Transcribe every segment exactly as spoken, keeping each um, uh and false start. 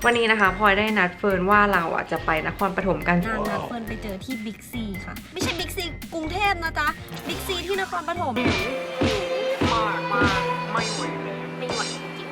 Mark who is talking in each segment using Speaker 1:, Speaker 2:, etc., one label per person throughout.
Speaker 1: วันนี้นะคะพลอยได้นัดเฟิร์นว่าเราอ่ะจะไปนครปฐมกัน
Speaker 2: นางนัดเฟิร์นไปเจอที่บิ๊กซีค่ะ ไม่ใช่บิ๊กซีกรุงเทพนะจ๊ะบิ๊กซีที่นครปฐมมากมากไม่ไหวเลยไม่ไหวจริง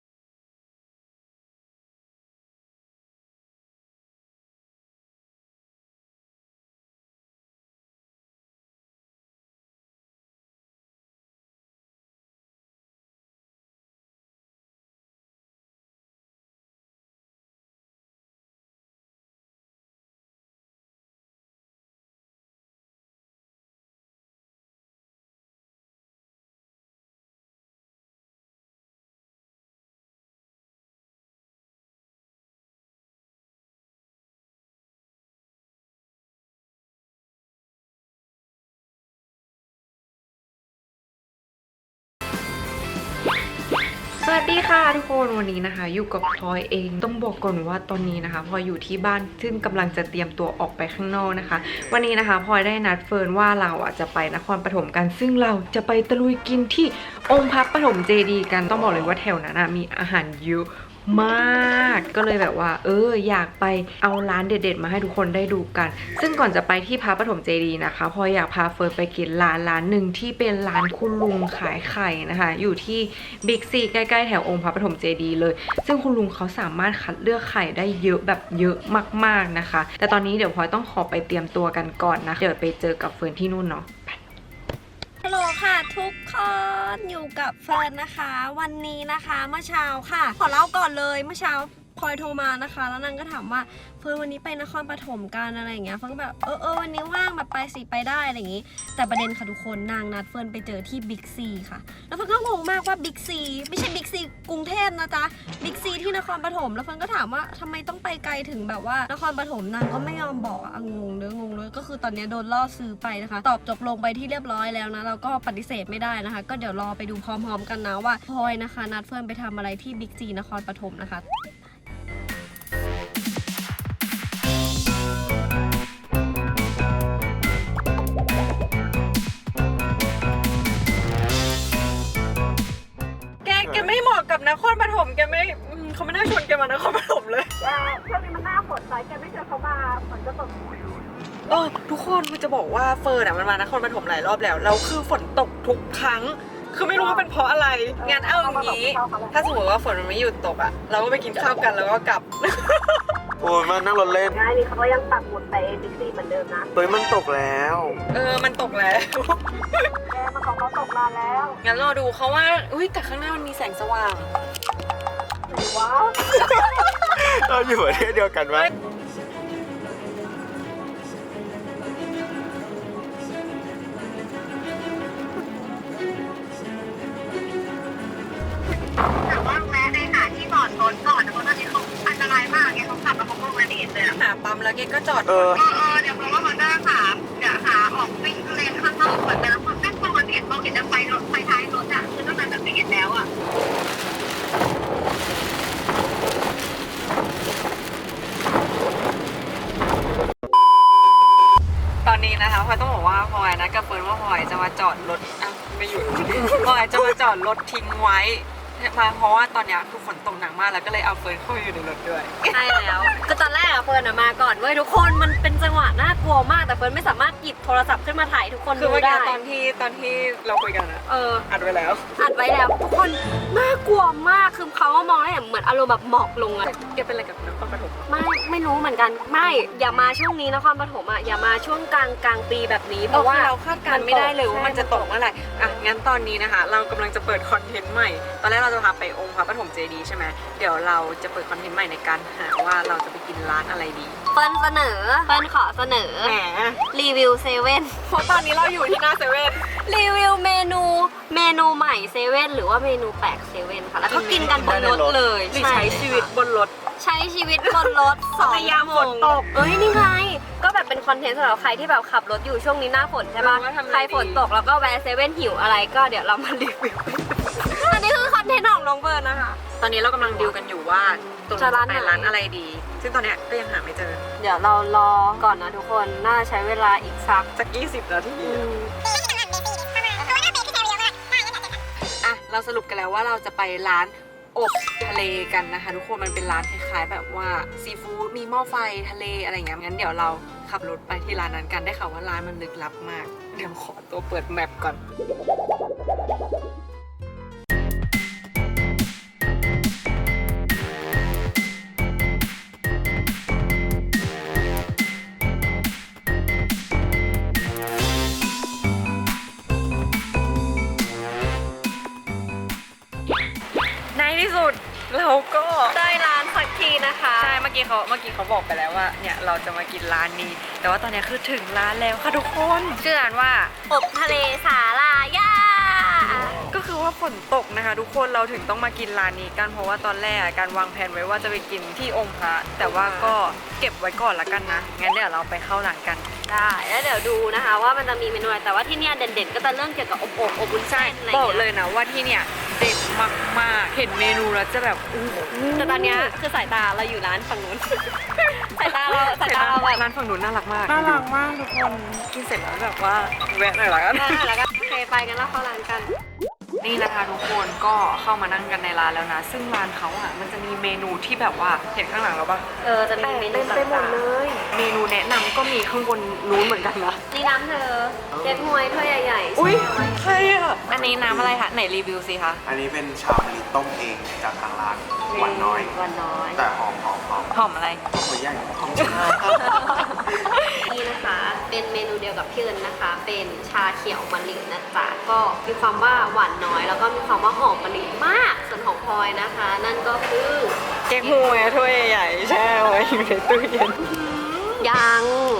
Speaker 1: สวัสดีค่ะทุกคนวันนี้นะคะอยู่กับพลอยเองต้องบอกก่อนว่าตอนนี้นะคะพลอยอยู่ที่บ้านซึ่งกำลังจะเตรียมตัวออกไปข้างนอกนะคะวันนี้นะคะพลอยได้นัดเฟิร์นว่าเราอ่ะจะไปนครปฐมกันซึ่งเราจะไปตะลุยกินที่องค์พระปฐมเจดีย์กันต้องบอกเลยว่าแถวนั้นมีอาหารเยอะมากก็เลยแบบว่าเอออยากไปเอาร้านเด็ดๆมาให้ทุกคนได้ดูกันซึ่งก่อนจะไปที่พระปฐมเจดีย์นะคะพลอยอยากพาเฟิร์นไปกินร้านร้านหนึ่งที่เป็นร้านคุณลุงขายไข่นะคะอยู่ที่บิ๊กซีใกล้ๆแถวองค์พระปฐมเจดีย์เลยซึ่งคุณลุงเขาสามารถคัดเลือกไข่ได้เยอะแบบเยอะมากๆนะคะแต่ตอนนี้เดี๋ยวพลอยต้องขอไปเตรียมตัวกันก่อนนะเดี๋ยวไปเจอกับเฟิร์นที่นู่นเนาะ
Speaker 2: ฮัลโหลค่ะทุกคนอยู่กับเฟิร์นนะคะวันนี้นะคะเมื่อเช้าค่ะขอเล่าก่อนเลยเมื่อเช้าพลอยโทรมานะคะแล้วนางก็ถามว่าเฟิร์นวันนี้ไปนครปฐมกันอะไรอย่างเงี้ยเฟิร์นก็แบบเออเออวันนี้ว่างแบบไปสิไปได้อะไรอย่างงี้แต่ประเด็นค่ะทุกคนนางนัดเฟิร์นไปเจอที่บิ๊กซีค่ะแล้วเฟิร์นก็งงมากว่าบิ๊กซีไม่ใช่บิ๊กซีกรุงเทพนะจ๊ะบิ๊กซีที่นครปฐมแล้วเฟิร์นก็ถามว่าทำไมต้องไปไกลถึงแบบว่านครปฐมนางก็ไม่ยอมบอกอะงงเลยงงเลยก็คือตอนนี้โดนล่อซื้อไปนะคะตอบจบลงไปที่เรียบร้อยแล้วนะเราก็ปฏิเสธไม่ได้นะคะก็เดี๋ยวรอไปดูพร้อมๆกันนะว่าพลอยนะคะนัดเฟิร์นไปทำอะไรที่บิ๊กซีนครปฐมนะคะ
Speaker 1: แกไม่เหมาะกับนครปฐมแกไม่เขาไม่น่าชวนแกมานครปฐมเลย
Speaker 2: ช่วงนี้มันหน้าฝนสายแกไม่เจอเขามาฝนจะตก
Speaker 1: เออทุกคนมันจะบอกว่าเฟิร์นอ่ะมันมานครปฐมหลายรอบแล้วแล้วคือฝนตกทุกครั้งคือไม่รู้ว่าเป็นเพราะอะไรงั้นเอาอย่างนี้ถ้าสมมติว่าฝนมันไม่หยุดตกอ่ะเราก็ไปกินข้าวกันแล้วก็กลับ
Speaker 3: โอ้ยมันนั่งรถเล่น
Speaker 2: ง่ายนี่เขาก็ยังปักหมุดไปบิ๊กซีเหมือนเดิมนะ
Speaker 3: เฮ้ยมันตกแล้ว
Speaker 1: เออมันตกแล้ว
Speaker 2: แกมันของเขาตกนานแล้ว
Speaker 1: งั้นรอดูเขาว่าอุ้ยแต่ข้างหน้ามันมีแสงสว่าง
Speaker 2: ว้าว
Speaker 3: เราอยู่ประเทศเดียวกันไหม
Speaker 4: แต่ว่าแวะไปหาที่จอดรถก่อนเพราะตอนนี้เขาอันตรายมากไงเขาขับแล้วเขาโกงไม่เห็นเลย
Speaker 1: หาปั๊มแล้วเกก็จอด
Speaker 3: เออ
Speaker 4: เออเดี๋ยวเพราะว่ามันจะหาเดี๋ยวหาออกวิ่งเลนข้างนอกก่อนแต่แล้วมันแม่งปกติเราเห็นจะไฟรถไฟท้ายรถอ่ะคือตั้งแต่แบบไม่เห็นแล้วอ่ะ
Speaker 1: ตอนนี้นะคะพลอยต้องบอกว่าพลอยนะกับเฟิร์นว่าพลอยจะมาจอดรถอ่ะไม่อยู่พลอยจะมาจอดรถทิ้งไว้มาเพราะว่าตอนนี้คือฝนตกหนักมากแล้วก็เลยเอาเฟิร์นเข้าไปอยู่ในรถด้วย
Speaker 2: ใช่แล้วก็ตอนแรกอะเฟิร์นมาก่อนเว้ยทุกคนมันเป็นจังหวะน่ากลัวมากแต่เฟิร์นไม่สามารถหยิบโทรศัพท์ขึ้นมาถ่ายทุกคนดูได้
Speaker 1: ตอนที่ตอนที่เราคุยกันอะ
Speaker 2: เออ
Speaker 1: อัดไว้แล้ว
Speaker 2: อัดไว้แล้วทุกคนน่ากลัวมากคือเขามองได้เหมือนอารมณ์แบบหมอกลงอะ
Speaker 1: แกเป็นอะไรกับนครปฐม
Speaker 2: ไม่ไม่รู้เหมือนกันไม่อย่ามาช่วงนี้นครปฐมอะอย่ามาช่วงกลางกลางปีแบบนี้เพราะว่า
Speaker 1: เราคาดการณ์ไม่ได้เลยว่ามันจะตกเมื่อไหร่อ่ะงั้นตอนนี้นะคะเรากำลังจะเปิดคอนเทนต์ใหม่ตอนแรกเราจะพาไปองค์พระปฐมเจดีย์ใช่ไหมเดี๋ยวเราจะเปิดคอนเทนต์ใหม่ในการหาว่าเราจะไปกินร้านอะไรดี
Speaker 2: เปิ้ลเสนอเปิ้ลขอเสนอ
Speaker 1: แหม
Speaker 2: รีวิวเซเว่น
Speaker 1: เพราะตอนนี้เราอยู่ที่หน้าเซเว่น
Speaker 2: รีวิวเมนูเมนูใหม่เซเว่นหรือว่าเมนูแปลกเซเว่นค่ะแล้วก็กินกันบนรถเลย
Speaker 1: ใช้ชีวิตบนรถ
Speaker 2: ใช้ชีวิตบนรถสอง
Speaker 1: ยามฝนตก
Speaker 2: เอ้ยนี่ไงก็แบบเป็นคอนเทนต์สำหรับใครที่แบบขับรถอยู่ช่วงนี้หน้าฝนใช่ปะใครฝนตกแล้วก็แวะเซเว่นหิวอะไรก็เดี๋ยวเรามารีวิวอันนี้คือคอนเทนต์ของน้องเบิร์นนะคะ
Speaker 1: ตอนนี้เรากำลังดิวกันอยู่ว่าตรงจะไปร้านอะไรดีซึ่งตอนนี้ก็ยังหาไม่เจอ
Speaker 2: เดี๋ยวเรารอก่อนนะทุกคนน่าใช้เวลาอีกสัก
Speaker 1: สักยี่สิบนาทีอ่ะเราสรุปกันแล้วว่าเราจะไปร้านอบทะเลกันนะคะทุกคนมันเป็นร้านคล้ายๆแบบว่าซีฟู้ดมีหม้อไฟทะเลอะไรอย่างเงี้ยงั้นเดี๋ยวเราขับรถไปที่ร้านนั้นกันได้ข่าวว่าร้านมันลึกลับมากเดี๋ยวขอตัวเปิดแมปก่อนในที่สุดเราก็
Speaker 2: ได้ร้านสักทีนะคะ
Speaker 1: ใช่เมื่อกี้เขาเมื่อกี้เขาบอกไปแล้วว่าเนี่ยเราจะมากินร้านนี้ แต่ว่าตอนนี้คือถึงร้านแล้วค่ะทุกคนชื่อร้านว่า
Speaker 2: อบทะเลสาลาย่า
Speaker 1: ก็คือว่าฝนตกนะคะทุกคนเราถึงต้องมากินร้านนี้กันเพราะว่าตอนแรกการวางแผนไว้ว่าจะไปกินที่องค์พระแต่ว่าก็เก็บไว้ก่อนละกันนะงั้นเดี๋ยวเราไปเข้าร้านกัน
Speaker 2: ได้แล้วเดี๋ยวดูนะคะว่ามันจะมีเมนูอะไรแต่ว่าที่เนี่ยเด่นๆก็จะเรื่องเกี่ยวกับอบอบอบวุ้นเส้นอะไร
Speaker 1: บอก
Speaker 2: เงี้ย
Speaker 1: เลยนะว่าที่เนี่ยเด็ดมากๆเห็นเมนูแล้วจะแบบอู้หู
Speaker 2: แต่ตอนเนี้ยคือสายตาเราอยู่ร้านฝั่งนู้น สายตาเราสายตาเราแบบ
Speaker 1: ร้านฝั่งนู้นน่ารักมากน่ารักมากทุกคนกินเสร็จแล้วแบบว่าแวะหน่อยละกัน
Speaker 2: อ่าแล้วก็โอเคไปกันแล้วเข้าร้านกัน
Speaker 1: นี่นะคะทุกคนก็เข้ามานั่งกันในร้านแล้วนะซึ่งร้านเขาอ่ะมันจะมีเมนูที่แบบว่าเห็นข้างหลังเราปะ
Speaker 2: เออจะมีเมนู
Speaker 1: เต็มไปหมด
Speaker 2: ต่าง
Speaker 1: เลย เมนูแนะนำก็มีข้างบนนู้นเหมือนกันนะ
Speaker 2: ๆนี่น้ำเธอเก๊กฮวยถ้วยใหญ่ๆ
Speaker 1: อุ้ย
Speaker 2: แช่ไว้
Speaker 1: ใช่อ่ะอันนี้น้ำอะไรคะไหนรีวิวสิคะ
Speaker 3: อันนี้เป็นชามะลิต้มเองจากทางร้านหวานน้อย
Speaker 2: หวานน้อย
Speaker 3: แต่หอมหอมหอม
Speaker 1: หอมอะไร
Speaker 3: หอมหัวใหญ่หอม
Speaker 2: นี่นะคะเป็นเมนูเดียวกับพี่เอิญนะคะ เป็นชาเขียวมะลินะจ๊ะก็มีความว่าหวานน้อย แล้วก็มีความว่าหอมมะลิมากส่วนของพลอยนะคะ นั่นก็คือ
Speaker 1: เก๊กฮวยถ้วยใหญ่แช่ไว้อยู่ในตู้เย็น
Speaker 2: ยัง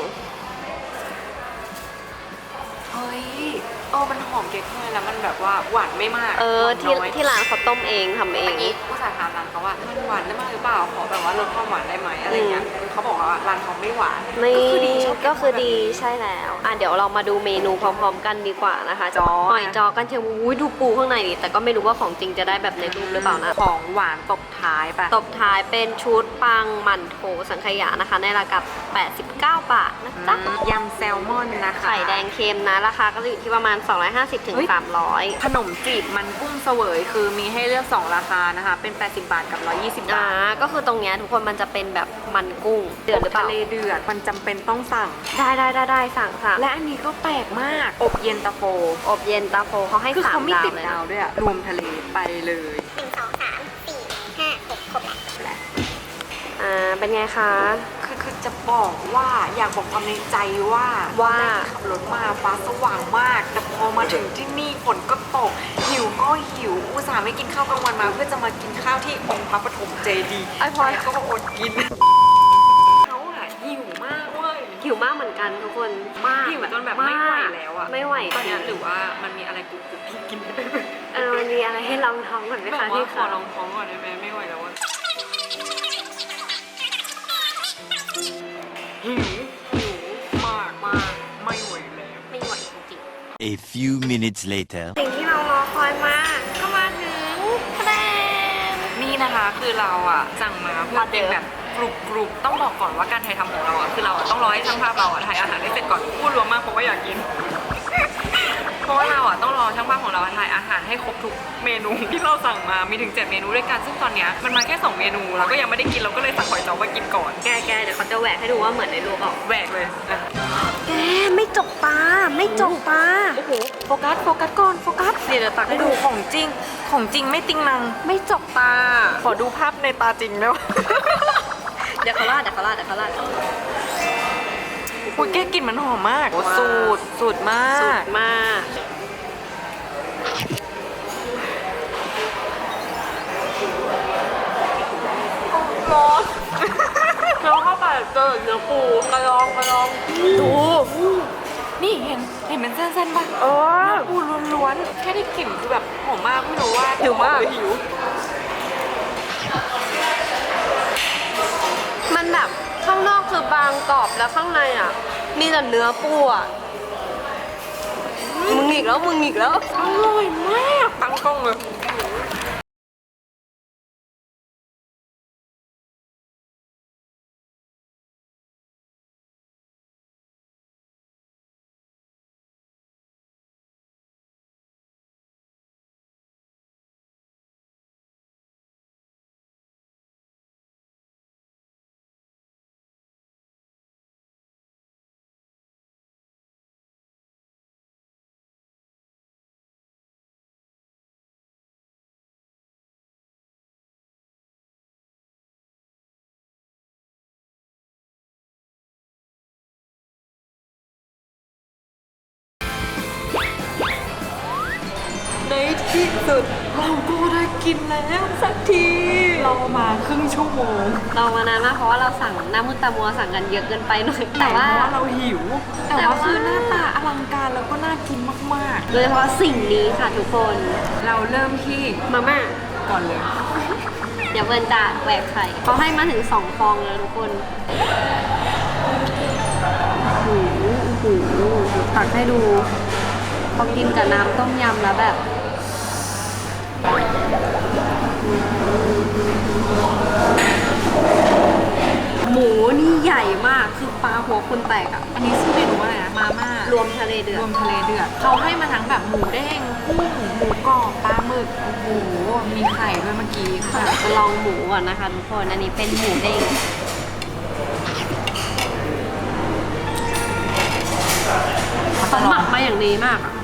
Speaker 1: เฮ้ยเออมันหอมเก๊กฮวยแล้วมันแบบว่าหวานไม่มาก
Speaker 2: เออ
Speaker 1: หวาน
Speaker 2: ที่
Speaker 1: น้อย
Speaker 2: ที่ร้านเขาต้มเองทำเอง
Speaker 1: เมื่อกี้ผู้สาถามร้านเขาว่ามันหวานได้มากหรือเปล่าขอแบบว่าลดความหวานได้ไหมอะไรเงี้ยเขาบอกว่าร้านเขาไม่หวาน
Speaker 2: นี่
Speaker 1: ก็คือดีชอบ
Speaker 2: ก็คือดี
Speaker 1: แบบนี้
Speaker 2: ใช่แล้วอ่ะเดี๋ยวเรามาดูเมนูพร้อมๆกันดีกว่านะคะ
Speaker 1: จอ
Speaker 2: หอยจอกันเชียวอุ้ยดูปูข้างในดิแต่ก็ไม่รู้ว่าของจริงจะได้แบบในรูปหรือเปล่านะ
Speaker 1: ของหวานตบท้ายไป
Speaker 2: ตบท้ายเป็นชุดปังหมั่นโถสังขยานะคะ ในราคาแปดสิบเก้าบาทนะจ๊ะ
Speaker 1: ยำแซลมอนนะคะ
Speaker 2: ไข่แดงเค็มนะราคาก็จะอยู่ที่ประมาณ สองร้อยห้าสิบถึง
Speaker 1: เฮ้ย
Speaker 2: สามร้อย
Speaker 1: ขนมจีบมันกุ้งเสวยคือมีให้เลือกสองราคานะคะ เป็น แปดสิบบาทกับ หนึ่งร้อยยี่สิบ
Speaker 2: อ่า
Speaker 1: บาท
Speaker 2: ก็คือตรงเนี้ยทุกคนมันจะเป็นแบบมันกุ้งเดือดหรือเปล่า
Speaker 1: ทะเลเดือดมันจำเป็นต้องสั่ง
Speaker 2: ได้ได้ได้ได้สั่งสั่ง
Speaker 1: และอันนี้ก็แปลกมาก อบเย็นตาโฟ
Speaker 2: อบเย็นตาโฟเขาให้
Speaker 1: คือ
Speaker 2: สาม
Speaker 1: เขาไม่
Speaker 2: ดาว
Speaker 1: ติด
Speaker 2: เลย
Speaker 1: ดา
Speaker 2: นะ
Speaker 1: วด้วยอะรวมทะเลไปเลย
Speaker 4: หนึ่งสองสามสี่ห้าหกครบแล้ว
Speaker 2: อ่าเป็นไงคะ
Speaker 1: คือคือจะบอกว่าอยากบอกความในใจว่า
Speaker 2: ว่า
Speaker 1: ขับรถมาฟ้าสว่างมาก แต่พอมาถึงที่นี่ฝนก็ตก หิวก็หิว อุตส่าห์ไม่กินข้าวกลางวันมา เพื่อจะมากินข้าวที่องค์พระปฐมเจดีย์
Speaker 2: ไอ้พลอย
Speaker 1: ก็มาอดกินเขาอะหิวมากเว้ย
Speaker 2: หิวมากเหมือนกันทุกคนมาก
Speaker 1: หิวจนแบบไม่ไหวแล้วอะ
Speaker 2: ไม่ไหว
Speaker 1: ตอนนี้
Speaker 2: จริง
Speaker 1: หรือว่ามันมีอะไรกรุบกรุบที่กินไม่ได้ไหม
Speaker 2: เออมันมีอะไรให้ลองท้องก่อนไหม
Speaker 1: แบบ
Speaker 2: คะ
Speaker 1: ว่า
Speaker 2: ที่
Speaker 1: ขอ
Speaker 2: ค่ะ
Speaker 1: ลองท้องก่อนได้ไหมไม่ไหวแล้วอะหิวหิวมากมากไม่ไหวแล้ว
Speaker 2: ไม่ไหวจริง
Speaker 5: A few minutes later.
Speaker 2: ๆสิ่งที่เรารอคอยมาก็มาถึงคะแนน
Speaker 1: นี่นะคะคือเราอะสั่งมาเพื่อเป็นแบบกรุบกรุบต้องบอกก่อนว่าการถ่ายทำของเราอะคือเราอะต้องรอให้ช่างภาพเราอะถ่ายอาหารได้เสร็จก่อนพูดรวมมากเพราะว่าอยากกิน เพราะว่าเราอะต้องรอช่างภาพของเราถ่ายอาหารให้ครบทุกเมนูที่เราสั่งมามีถึงเจ็ดเมนูด้วยกันซึ่งตอนเนี้ยมันมาแค่สองเมนูเราก็ยังไม่ได้กินเราก็เลยสั่งหอยจ้อมากินก่อน
Speaker 2: แกแกเดี๋ยวเขาจะแหวกให้ดูว่าเหมือนในรูปเปล่า
Speaker 1: แหวกเลยอ่ะ
Speaker 2: แกไม่จกตาไม่จกตา
Speaker 1: โอ้โหโฟกัสโฟกัสก่อนโฟกัสเดี๋ยวเดี๋ยวตักให้ดูของจริงของจริงไม่ติงนัง
Speaker 2: ไม่จกตา
Speaker 1: ขอดูภาพในตาจริงได้ไหม
Speaker 2: เดี๋ยวเขาลาดเดี๋ยวเขาลาดเดี๋ยวเขาลาด
Speaker 1: อุ้ยแกกลิ่นมันหอมมากโอ้สูตรสูตรมา
Speaker 2: สุ
Speaker 1: ก
Speaker 2: ดมาก
Speaker 1: ร้อนแล้วเข้าไปเจอเนื้อปูกระลองกระลองดูนี่เห็นเห็นเป็นเส้นๆป่ะเออปูล้วนๆแค่ได้กลิ่นคือแบบหอมมากไม่รู้ว่าหิวมากหิว
Speaker 2: มันแบบข้างนอกคือบางกรอบแล้วข้างในอ่ะ มีแต่เนื้อปูอ่ะ มึงอีกแล้วมึงอีกแล้ว
Speaker 1: อร่อยมากตั้งกล้องเลยสุดเราก็ได้กินแล้วสักทีเรามาครึ่งชั่วโมง
Speaker 2: เรามานานมากเพราะว่าเราสั่งน้ำมุตตามัวสั่งกันเยอะเกินไปหน่อย
Speaker 1: แต่
Speaker 2: แต่
Speaker 1: ว่า
Speaker 2: ว่า
Speaker 1: เราหิว แต่
Speaker 2: แต่
Speaker 1: ว่า
Speaker 2: ว่า
Speaker 1: คือหน้าตาอลังการแล้วก็น่ากินมาก
Speaker 2: โดยเฉพาะสิ่งนี้ค่ะทุกคน
Speaker 1: ๆ เราเริ่มที่
Speaker 2: มาม่า
Speaker 1: ก่อนเลย
Speaker 2: เดี๋ยวเบิร์นจะแหวกไข่เขาให้มาถึงสองฟองเลยทุกคนหูหูตักให้ดูพอกินกับน้ำต้มยำแล้วแบบหมูนี่ใหญ่มากคือปลาหัวคนแตกอ่ะ
Speaker 1: อันนี้ชื่อเมนูว่าอะไรนะมาม่าร
Speaker 2: วมทะเลเดือ
Speaker 1: ร
Speaker 2: ด
Speaker 1: วมทะเลเดือดเขาให้มาทั้งแบบหมูเด้งกุ้งหมูกรอบปลาหมึกโอ้โหมีไข่ด้วยเมื่อกี้ค่ะ
Speaker 2: จะลองหมูก่อนนะคะทุกคนอันนี้เป็นหมูเด้งเขาหมักมาอย่างดีมากอะ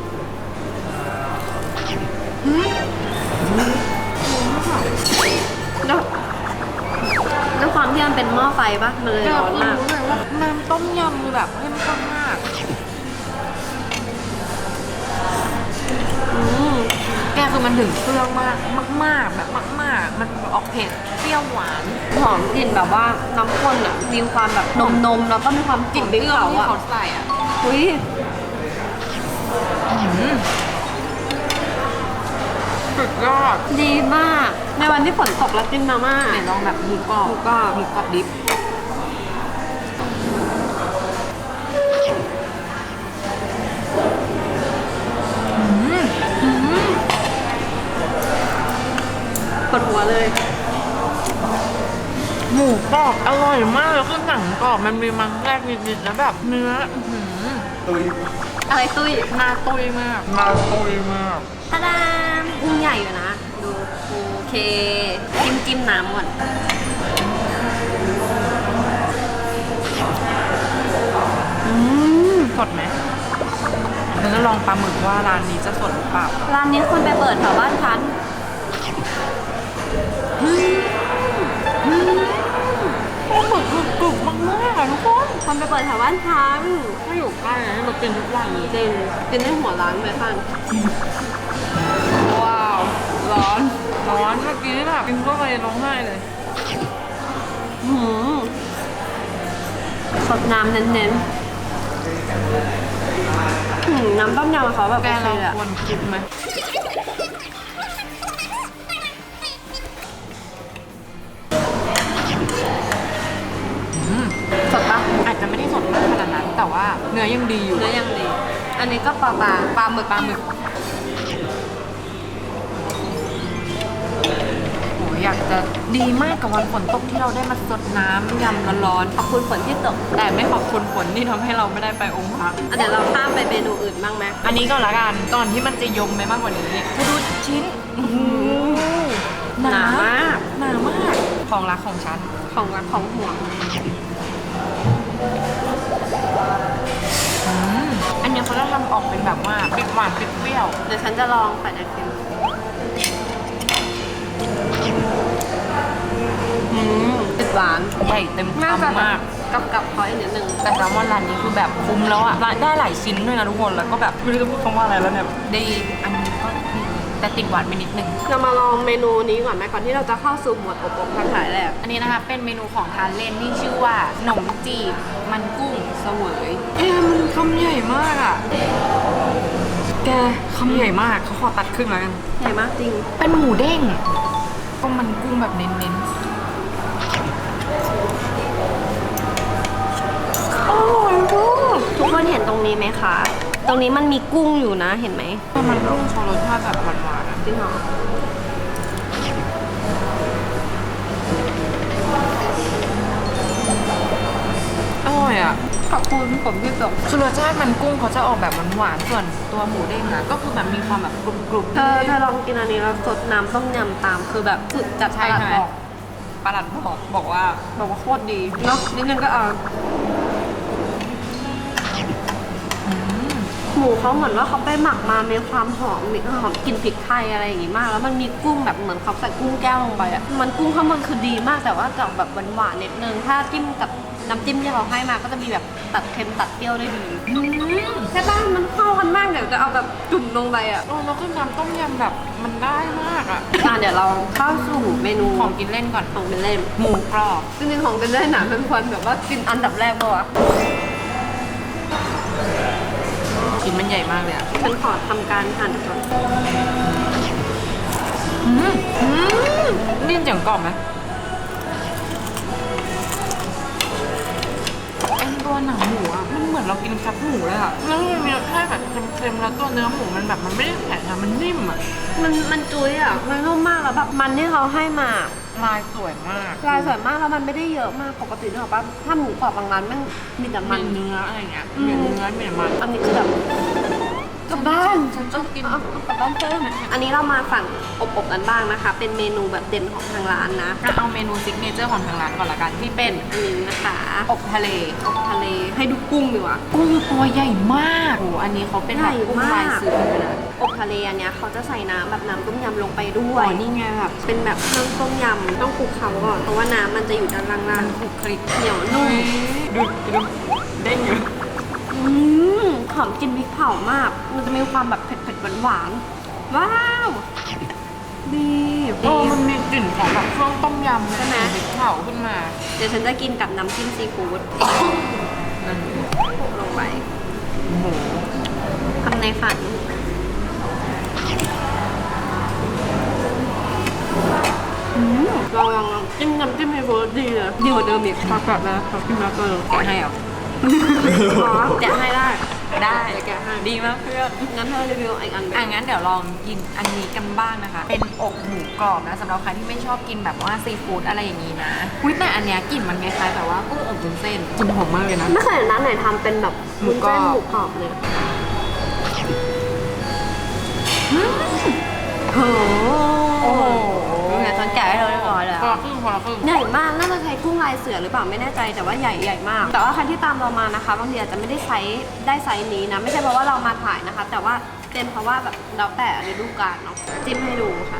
Speaker 2: แล้วด้วยความที่มันเป็นหม้อไฟปะมันเลยร้อนมาก
Speaker 1: รู้เลยว่าน้ำต้มยำคือแบบเข้มข้นมาก
Speaker 2: อืม
Speaker 1: แกคือมันถึงเครื่องมากมากๆแบบมากๆ มันออกเผ็ดเปรี้ยวหวาน
Speaker 2: หอมกลิ่นแบบว่าน้ำข้นอ่ะมีความแบบนมนมๆแล้วก็มีความกลิ่น
Speaker 1: เค
Speaker 2: เปรี้
Speaker 1: รื่
Speaker 2: ย
Speaker 1: อง
Speaker 2: ว
Speaker 1: ที่
Speaker 2: อ่ะ
Speaker 1: เขาใส่อ่ะ
Speaker 2: อุ้ย
Speaker 1: สุดยอด
Speaker 2: ดีมาก ในวันที่ฝนตกแล้วกินมาม่า
Speaker 1: ไหนลองแบบหมูกรอบ
Speaker 2: หมูกรอบ
Speaker 1: หมูกรอบดิบอืม
Speaker 2: ปวดหัวเลย
Speaker 1: หมูกรอบอร่อยมากแล้วคือหนังกรอบมันมีมันแรกนิดๆแล้วแบบเนื้ออื้อหือ
Speaker 3: ตุย
Speaker 2: อะไรตุ้ย
Speaker 1: หน้าตุยมากหน้าตุยมาก
Speaker 2: ตะดามกุ้งใหญ่อยู่นะ ดูโอเค จิ้มจิ้มน้ำก่อน
Speaker 1: อืมสดไหมเราจะลองปลาหมึกว่าร้านนี้จะสดหรือเปล่า
Speaker 2: ร้านนี้คนไปเปิดแถวบ้านฉัน
Speaker 1: ปลาหมึกกรุบๆมากๆอะทุกคน
Speaker 2: คนไปเปิดแถวบ้านฉัน
Speaker 1: ถ้าอยู่ใกล้นะให้มากินทุกวันเลย
Speaker 2: จริงกินได้หัวร้านไปข้าง
Speaker 1: ว้าว ร้อน ร้อนเมื่อกี้แบบกินเข้าไปร้องไห้เลย
Speaker 2: หืมสดน้ำเน้นๆหืมน้ำต้มยำเขาแบบ
Speaker 1: แก
Speaker 2: โอเค
Speaker 1: เรา
Speaker 2: เลยอะ
Speaker 1: ควรกินไหมอืม
Speaker 2: สดปะ
Speaker 1: อาจจะไม่ได้สดมากขนาดนั้น แต่ว่าเนื้อยังดีอยู่
Speaker 2: เนื้อยังดี อันนี้ก็ปลาปลาปลาหมึก
Speaker 1: ปลาหมึกโหอยากจะดีมากกับวันฝนตกที่เราได้มาสดน้ำยำร้อน
Speaker 2: ขอบคุณฝนที่ตก
Speaker 1: ๆแต่ไม่ขอบคุณฝนที่ทำให้เราไม่ได้ไปองค์พระ
Speaker 2: อ่ะเดี๋ยวเราข้ามไปเมนูอื่นบ้างไหม
Speaker 1: อันนี้ก็ละกันก่อนที่มันจะยมไปมากกว่านี้กูดูชิ้นอื้อหือ
Speaker 2: หนามาก
Speaker 1: หนามาก ของรักของฉัน
Speaker 2: ของรักของห่วง
Speaker 1: อืมอันนี้เขาจะทำออกเป็นแบบว่าเปรี้ยวหวานเปรี้ยว
Speaker 2: เดี๋ยวฉันจะลองไข่ไอติม
Speaker 1: อืม
Speaker 2: ติดหวาน
Speaker 1: ใหญ่เต็ม
Speaker 2: น่าจะ
Speaker 1: คำมาก
Speaker 2: กับกับๆเขาอีกนิดนึง
Speaker 1: แต่แซลมอนร้านนี้คือแบบคุ้มแล้วอ่ะได้หลายชิ้นด้วยนะทุกคนแล้วก็แบบไม่รู้จะพูดคำว่าอะไรแล้วเนี่ยดีอันนี้ก็ดีแต่ติดหวานไปนิดนึง
Speaker 2: เรามาลองเมนูนี้ก่อนไหมก่อนที่เราจะเข้าสู่หมวดอบอบทั้งหลายแหละ
Speaker 1: อันนี้นะคะเป็นเมนูของทานเล่นที่ชื่อว่าขนมจีบมันกุ้งเสวยแกมันคำใหญ่มากอ่ะแกคำใหญ่มากเขาขอตัดครึ่งแล้วกัน
Speaker 2: ใหญ่มากจริง
Speaker 1: เป็นหมูเด้งก็มันกุ้งแบบเน้นๆอร่อยมาก
Speaker 2: ทุกคนเห็นตรงนี้ไหมคะ ตรงนี้มันมีกุ้งอยู่นะเห็นไหม
Speaker 1: แต่มันกุ้งโชว์รสชาติแบบหวานๆอะ
Speaker 2: จริงเหรอ
Speaker 1: อร่อยอ่ะ
Speaker 2: ขอบคุณผมที่ส่ง
Speaker 1: คือรสชาติมันกุ้งเขาจะออกแบบหวานๆส่วนตัวหมูเด้งอะก็คือแบบมีความแบบกรุบๆ
Speaker 2: เธอเธอลองกินอันนี้แล้วสดน้ำต้มยำตามคือแบบสุดจัด
Speaker 1: ใช่
Speaker 2: ตลาด
Speaker 1: ใช่ไหม
Speaker 2: บอก
Speaker 1: ประหลัดบอกบอกว่า
Speaker 2: บอกว่าโคตรดีเนาะนิดนึงก็เอา
Speaker 1: อืม
Speaker 2: หมูเขาเหมือนว่าเขาไปหมักมามีความหอมมีหอมกลิ่นพริกไทยอะไรอย่างงี้มาก แล้วมันมีกุ้งแบบเหมือนเขาใส่กุ้งแก้วลงไปอ่ะมันกุ้งข้างบนคือดีมากแต่ว่าจะแบบหวานๆนิดนึงถ้าจิ้มกับน้ำจิ้มที่เขาให้มาก็จะมีแบบตัดเค็มตัดเปรี้ยวได้ดีใช่ป่ะมันเข้ากันมากเดี๋ยวจะเอาแบบจุ่มลงไปอ่ะ
Speaker 1: โอ้แล้วก็น้ำต้มยำแบบมันได้มากอ่ะ
Speaker 2: อ่ะเดี๋ยวเราเข้าสู่เมนู
Speaker 1: ของกินเล่นก่อน
Speaker 2: ของเป็นเล่น
Speaker 1: หมูกรอบ
Speaker 2: จริงๆของเป็นเล่นหนาเป็นคนแบบว่ากินอันดับแรกปะวะ
Speaker 1: ชิ้นมันใหญ่มากเลยอ่ะ
Speaker 2: ฉันขอทำการหั่นก่อน
Speaker 1: อืมอืมนี่เสียงกรอบไหมไอ้ตัวหนังหมูอ่ะมันเหมือนเรากินแคบหมูเลยอ่ะแล้วมันมีรสชาติแบบเค็มๆแล้วตัวเนื้อหมูมันแบบมันไม่ได้แข็งอะมันนิ่มอ่ะ
Speaker 2: มันมันจุ้ยอ่ะมันนุ่มมากแล้วแบบมันที่เขาให้มา
Speaker 1: ลายสวยมาก
Speaker 2: ลายสวยมากแล้วมันไม่ได้เยอะมากปกตินึกออกปะถ้าหมูกรอบบางร้านมันมีแต่มั
Speaker 1: มัน นเนื้ออะไรเงี้ยมีเนื้อมีมัน
Speaker 2: อันนี้คือแบบกลับบ้าน
Speaker 1: ฉันชอบกิน
Speaker 2: เอาเอากลับบ้านเพิ่มอันนี้เรามาฝั่งอบๆกันบ้างนะคะ เป็นเมนูแบบเด่นของทางร้านนะ
Speaker 1: เอาเมนูซิกเนเจอร์ของทางร้านก่อนละกันที่เป็น
Speaker 2: อันนี้นะคะ
Speaker 1: อบทะเล
Speaker 2: อบทะเลให้ดูกุ้งดีกว่า
Speaker 1: กุ้งตัวใหญ่มากโอ้อันนี้เขาเป็นแบบกุ้งลายเสือเลยนะ
Speaker 2: อบทะเลอันเนี้ยเขาจะใส่น้ำแบบน้ำต้มยำลงไปด้ว
Speaker 1: อ๋
Speaker 2: ย
Speaker 1: อนี่ไงแบบ
Speaker 2: เป็นแบบเครื่องต้มยำต้องคลุกเคล้าก่อนเพราะว่าน้ำมันจะอยู่ด้านล่าง
Speaker 1: มันคลุกคลิก
Speaker 2: ๆเหนียวนุ่ม
Speaker 1: ดูดูเด้งอยู่
Speaker 2: อืมหอมกลิ่นพริกเผามาก มันจะมีความแบบเผ็ดๆหวานๆว้าวดี
Speaker 1: โอ้
Speaker 2: ดี
Speaker 1: มันมีกลิ่นของแบบเครื่องต้มยำ
Speaker 2: ใช่ไหม
Speaker 1: พริกเผาขึ้นมา
Speaker 2: เดี๋ยวฉันจะกินกับน้ำจิ้มซีฟู้ด
Speaker 1: นั่น
Speaker 2: โปะลงไป
Speaker 1: หมู
Speaker 2: ทำในฝันอืมลองลองลองจิ้มน้ำจิ้มซีฟู้ดดีเลยดีกว่าเดิมอีก
Speaker 1: ปลากระนะเขากินมาเกินแกะให้เหรอ
Speaker 2: อ๋อแกะให้ได้
Speaker 1: ได้
Speaker 2: เดี๋ยวแกะให้
Speaker 1: ดีมากเพื่อน
Speaker 2: งั้นเธอรีวิวอีกอันไหม
Speaker 1: อ่ะงั้นเดี๋ยวลองกินอันนี้กันบ้างนะคะ เป็นอกหมูกรอบนะสำหรับใครที่ไม่ชอบกินแบบว่าซีฟู้ดอะไรอย่างนี้นะอุ้ยแต่อันเนี้ยกลิ่นมันคล้ายๆแบบว่ากุ้งอบวุ้นเส้นกลิ่นหอมมากเลยนะ
Speaker 2: ไม่เคยเห็นร้านไหนทำเป็นแบบ
Speaker 1: หมูกรอบ
Speaker 2: วุ้นเส้นหมูกรอบเลยโอ้โห
Speaker 1: โอ้โห
Speaker 2: เนี่ยฉันแกะให้เราเรียบร้อยแล้ว
Speaker 1: คนละครึ่งคนละครึ่ง
Speaker 2: ใหญ่มาก น่าจะใช้กุ้งลายเสือหรือเปล่าไม่แน่ใจแต่ว่าใหญ่ใหญ่มาก แต่ว่าใครที่ตามเรามานะคะบางทีอาจจะไม่ได้ไซส์ได้ไซส์นี้นะ ไม่ใช่เพราะว่าเรามาถ่ายนะคะ แต่ว่าเป็นเพราะว่าแบบแล้วแต่ฤดูกาลเนาะจิ้มให้ดูค่ะ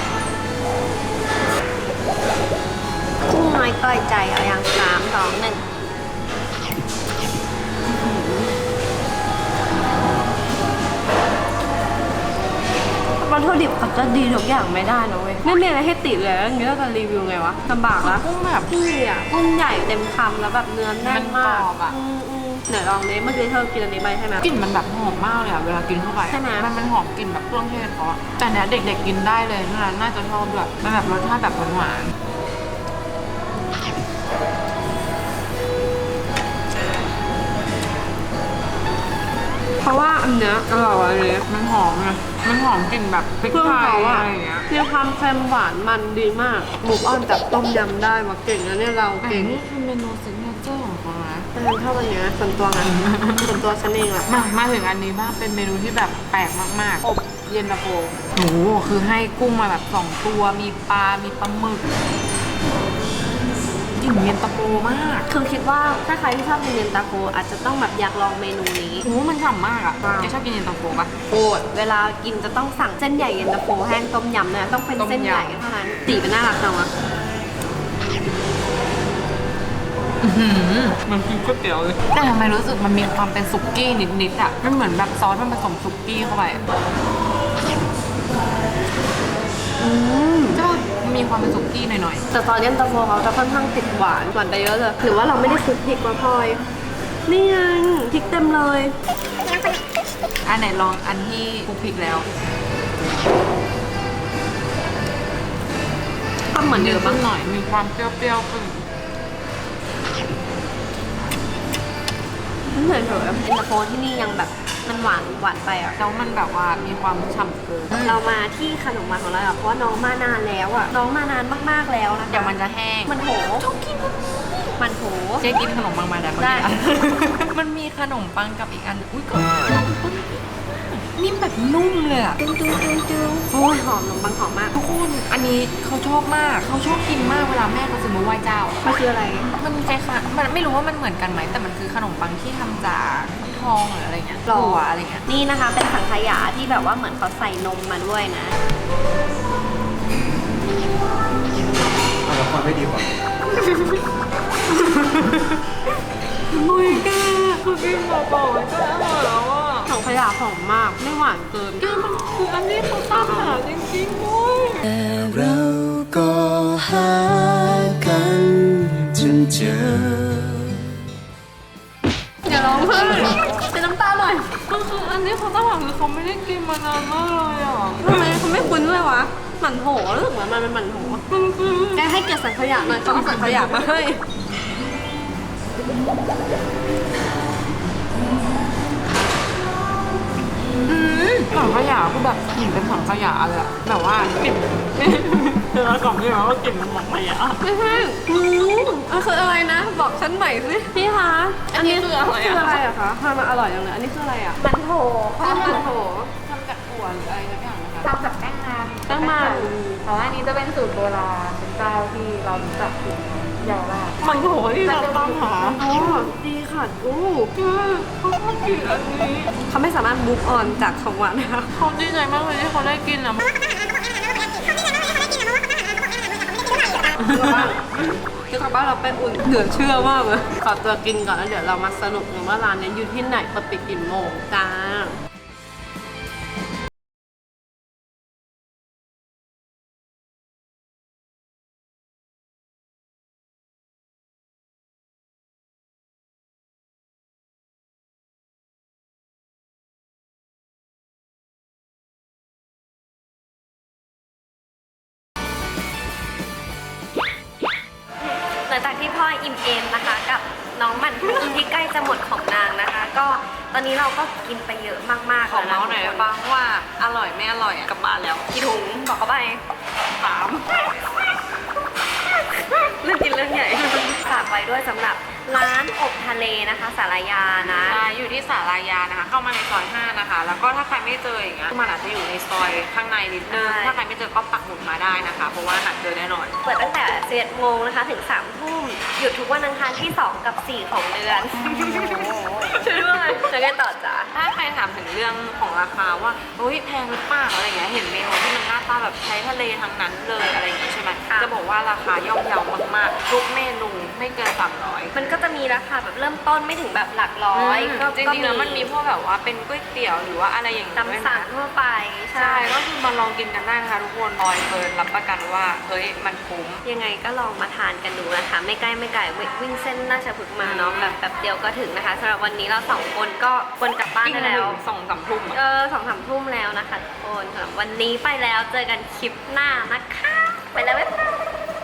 Speaker 2: กุ้งน้อยต่อยใจเอาอย่างสามสองหนึ่งวัตถุดิบเขาจะดีทุกอย่างไม่ได้นะเว้ยไม่มีอะไรให้ติเลยแล้วอย่างนี้เราจะรีวิวไงวะลำบากละ
Speaker 1: กุ้งแบบ
Speaker 2: กุ้งอ่ะกุ้งใหญ่เต็มคำแล้วแบบเนื้อแน่นมาก
Speaker 1: มันกรอบอะ
Speaker 2: อืมอืมไหนลองนี้เมื่อกี้เธอกินอันนี้ไปใช่ไหม
Speaker 1: กลิ่นมันแบบหอมมากเลยอะเวลากินเข้าไปอะ
Speaker 2: ใช่ไหม
Speaker 1: มันมันหอมกลิ่นแบบเครื่องเทศเขาอะแต่เนี้ยเด็กๆกินได้เลยนะน่าจะชอบด้วยมันแบบรสชาติแบบหวาน
Speaker 2: เพราะว่าอันเนี้ยอร่อยเลย
Speaker 1: ๆมันหอมไงมันหอมกลิ่นแบบพริก
Speaker 2: เครื่อง
Speaker 1: ไทย
Speaker 2: เขา
Speaker 1: อะ
Speaker 2: อะ
Speaker 1: ไรอย่างเงี้ย
Speaker 2: มีความเค็มหวานมันดีมากหมูอ้อนจากต้มยำได้มาเก่งนะเนี่ยเรา
Speaker 1: แต่
Speaker 2: เก่ง
Speaker 1: นี่คือเมนูซิกเนเจอร์ของเขานะ
Speaker 2: แต่ฉันชอบอะไรเงี้ยส่วนตัวไงส่วนตัวฉันเองอะ
Speaker 1: มามาถึงอันนี้บ้างเป็นเมนูที่แบบแปลกมากๆอบเย็นตาโฟโอ้โหคือให้กุ้งมาแบบสองตัวมีปลา มีปลาหมึกกลิ่นเย็นตาโฟมาก
Speaker 2: คือคิดว่าถ้าใครที่ชอบกินเย็นตาโฟอาจจะต้องแบบอยากลองเมนูนี้
Speaker 1: โอ้โหมันฉ่ำมากอ่ะ
Speaker 2: ว้าว
Speaker 1: แกชอบกินเย็นตาโฟปะ
Speaker 2: โอดเวลากินจะต้องสั่งเส้นใหญ่เย็นตาโฟแห้งต้มยำนะต้องเป็นเส้นใหญ่เท่านั้นสีเป็นน่ารักจังวะ
Speaker 1: มันกินก๋วยเตี๋ยวเลยแต่ทำไมรู้สึกมันมีความเป็นสุกี้นิดๆอ่ะมันเหมือนแบบซอสมันผสมสุกี้เข้าไปอะ
Speaker 2: อืม
Speaker 1: ใช่ปะมันมีความเป็นสุกี้หน่อย
Speaker 2: แต่ซอสเย็นตาโฟเขาจะค่อนข้างติดหวานหวานไปเยอะเลยหรือว่าเราไม่ได้คลุกพริกมาพลอย นี่ไงพริกเต็มเลย
Speaker 1: ๆอันไหนลองอันที่คลุกพริกแล้ว
Speaker 2: ทำเหมือนเดิม
Speaker 1: บ้า
Speaker 2: ปะ
Speaker 1: งหน่อยมีความเปรี้ยวๆขึ้น
Speaker 2: ไม่เฉยๆเย็นตาโฟที่นี่ยังแบบมันหวานหวานไปอ่ะ
Speaker 1: แล้วมันแบบว่ามีความฉ่ำเกิน
Speaker 2: เรามาที่ขนมหวานของเราอะเพราะว่าน้องมานานแล้วอ่ะน้องมานานมากๆแล้วนะคะ
Speaker 1: เดี๋ยวมันจะแห้ง
Speaker 2: มันโหมันโห
Speaker 1: เจ๊กินขนมปังมาแล้ว
Speaker 2: ได้
Speaker 1: มันมีขนมปังกับอีกอัน อุ้ยก็นิ่มแบบนุ่มเลยอะ
Speaker 2: ตึ้งตึ้งตึ้งตึ้งโอ้ยหอมขนมปังหอมมาก
Speaker 1: ทุกคนอันนี้เขาชอบมากเขาชอบกินมากเวลาแม่เขาซื้อมาไหว้เจ้า
Speaker 2: มันคืออะไร
Speaker 1: มันคล้ายๆมันไม่รู้ว่ามันเหมือนกันไหมแต่มันคือขนมปังที่ทำจากทองหรืออะไรเงี้ย
Speaker 2: หรอ
Speaker 1: ถั่วอะไรเงี้ย
Speaker 2: นี่นะคะเป็นสังขยาที่แบบว่าเหมือนเขาใส่นมมาด้วยนะ
Speaker 3: เอาละครไม่ดีกว่า
Speaker 1: อุ้ยแกคือกินเบาๆมันก็อร่อยแล้วอ่ะ
Speaker 2: สังขยาหอมมากไม่หวานเกิน
Speaker 1: แกมันคืออันนี้เขาตามหาจริงๆด้วย
Speaker 5: เราก็หากันจนเจอ
Speaker 2: อย่าร้องเพิ่มเป็นน้ำตาหน่อย
Speaker 1: ก็คืออันนี้เขาตามหาคือเขาไม่ได้กินมานานมากเลยอ่ะ
Speaker 2: ทำไมเขาไม่คุ้นเลยวะหมั่นโถรู้สึกเหมือนมันเป็นหมั่นโถ
Speaker 1: มันคือ
Speaker 2: แกให้เกียรติสังขยาหน่อยเขาเอาสังขยามาให้
Speaker 1: ถังขยะคือแบบกลิ่นเป็นถังขยะเลยอะแบบว่ากลิ่นเธอกล่องนี่แบบว่ากลิ่นเป็นถังขยะ
Speaker 2: ไม่ใช่อืมมันคืออะไรนะ บอกฉันใหม่สิพี่คะ
Speaker 1: อันนี้คืออะไรอะ
Speaker 2: คืออะไรอะคะทำมาอร่อยจังเลยอันนี้คืออะไรอะมันโถข้าวมันโถ
Speaker 1: ทำจากถั่วหรืออะไรสักอย่างนะคะ
Speaker 6: ทำจากแป้งมัน
Speaker 2: แป้งมัน
Speaker 6: แต่ว่าอันนี้จะเป็นสูตรโบราณเป็นเจ้าที่เรารู้จักถึงเยาวราช
Speaker 1: มันโถที่เราตามหา
Speaker 2: อ๋อดีค่ะอู้
Speaker 1: คือเขาชอบกินอันนี้
Speaker 2: เขาไม่สามารถบุ๊กออนจากของหวานนะคะ
Speaker 1: เขาดีใจมากเลยที่เขาได้กินอะ
Speaker 2: คือกลับบ้านเราไปอุ่นเหลือเชื่อมากเลยขอตัวกินก่อนแล้วเดี๋ยวเรามาสรุปกันว่าร้านนี้อยู่ที่ไหนเปิดปิดกี่โมงจ้า หลังจากที่พ่ออิ่มเอมนะคะ กับน้องหมันพุงที่ใกล้จะหมดของนางนะคะ ก็ตอนนี้เราก็กินไปเยอะมากๆ
Speaker 1: ขอ
Speaker 2: แล้ว
Speaker 1: เมาส์หน่อย
Speaker 2: ทุ
Speaker 1: ได้
Speaker 2: กค
Speaker 1: ปะว่าอร่อยไม่อร่อยอะกลับบ้านแล้ว
Speaker 2: กี่ถุงบอกเขาไป
Speaker 1: สาม
Speaker 2: เรื่องกินเรื่องใหญ่ ฝากไว้ด้วยสำหรับร้านอบทะเลนะคะสารยานะ
Speaker 1: อ่าอยู่ที่สารายานะคะ เข้ามาในซอยห้านะคะ แล้วก็ถ้าใครไม่เจออย่างเงี้ยมันอาจจะอยู่ในซอยข้างในนิดนึง
Speaker 2: ใช่
Speaker 1: ถ้าใครไม่เจอก็ปักหมุดมาได้นะคะ เพราะว่าหาเจอแน่นอน
Speaker 2: เปิดตั้งแต่สิบเอ็ดโมงนะคะถึงสามทุ่มหยุดทุกวันอังคารที่สองกับสี่ของเดือนช่วยด้วยจะได้ต่อจ้า
Speaker 1: ถ้าใครถามถึงเรื่องของราคาว่าเฮ้ยแพงหรือเปล่าอะไรเงี้ย เห็นเมนูที่มันหน้าตาแบบใช้ทะเลทั้งนั้นเลยอะไรอย่างงี้ใช่ไหม
Speaker 2: ค่ะ
Speaker 1: จะบอกว่าราคาย่อมเยาวมากๆ ทุกเมนูไม่เกินสามร้อย
Speaker 2: มันก็จะมีราคาแบบเริ่มต้นไม่ถึงแบบหลักร้อยก็
Speaker 1: จริงๆแล้วมันมีพวกแบบว่าเป็นก๋วยเตี๋ยวหรือว่าอะไรอย่างเงี้ย
Speaker 2: ตามสั่งทั่วไป
Speaker 1: ใช่ ก็คือมาลองกินกันได้นะคะทุกคนออยเฟิร์นรับประกันว่าเฮ้ยมันคุ้ม
Speaker 2: ยังไงก็ลองมาทานกันดูนะคะ ไม่ใกล้ไม่ไกลวิวิ่งเส้นราชพฤกษ์มาเนาะแบบแบบเดียวก็ถึงนะคะสำหรับวันนี้เราสองคนก็ควรกลับบ้านได้แล้ว
Speaker 1: สองสามทุ่ม
Speaker 2: เอ
Speaker 1: อะ
Speaker 2: อสองสามทุ่มแล้วนะคะทุกคนสำหรับวันนี้ไปแล้วเจอกันคลิปหน้านะคะ ไปแล้วบ๊ายบาย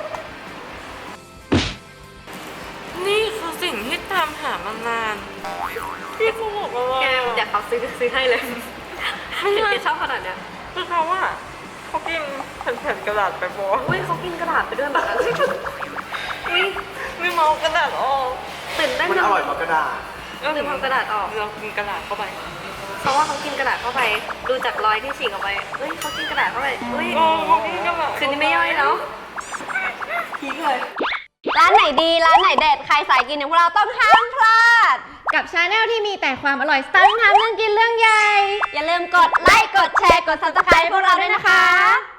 Speaker 1: นี่คือสิ่งที่ตามหามานานพี่เขาบอกว่า
Speaker 2: แกเดี๋ยวเขาซื้อซื้อให้เลย
Speaker 1: ไม่ใช่
Speaker 2: แกชอบขนาดเนี้ย
Speaker 1: คือเขาว่าเขากินแผ่นๆกระดาษไปบอก
Speaker 2: อุ้ยเขากินกระดาษไปด้วยแบบนั้นอุ้ย
Speaker 1: ไม่เมากระดาษออก
Speaker 2: ตื่นเต้น
Speaker 3: มัน
Speaker 2: จั
Speaker 3: อง ร่อยเพราะกระดาษ
Speaker 1: ก็
Speaker 2: หรือเอากระดาษออก
Speaker 1: เรากินกระดาษเข้าไป
Speaker 2: เพราะว่าเขากินกระดาษเข้าไป ดูจากรอยที่ฉีกออกไปเฮ้ยเขากินกระดาษเข้าไปเฮ้ย
Speaker 1: โอ้เขากินกระดาษ
Speaker 2: คืนนี้ไม่ย่อยแล้วพีคเลยร้านไหนดีร้านไหนเด็ดใครสายกินอย่างพวกเราต้องห้ามพลาด
Speaker 6: กับชาแนลที่มีแต่ความอร่อยสไตล์ทำเรื่องกินเรื่องใหญ่
Speaker 2: อย่าลืมกดไลค์กดแชร์กด ซับสไครบ์ พวกเราด้วยนะคะ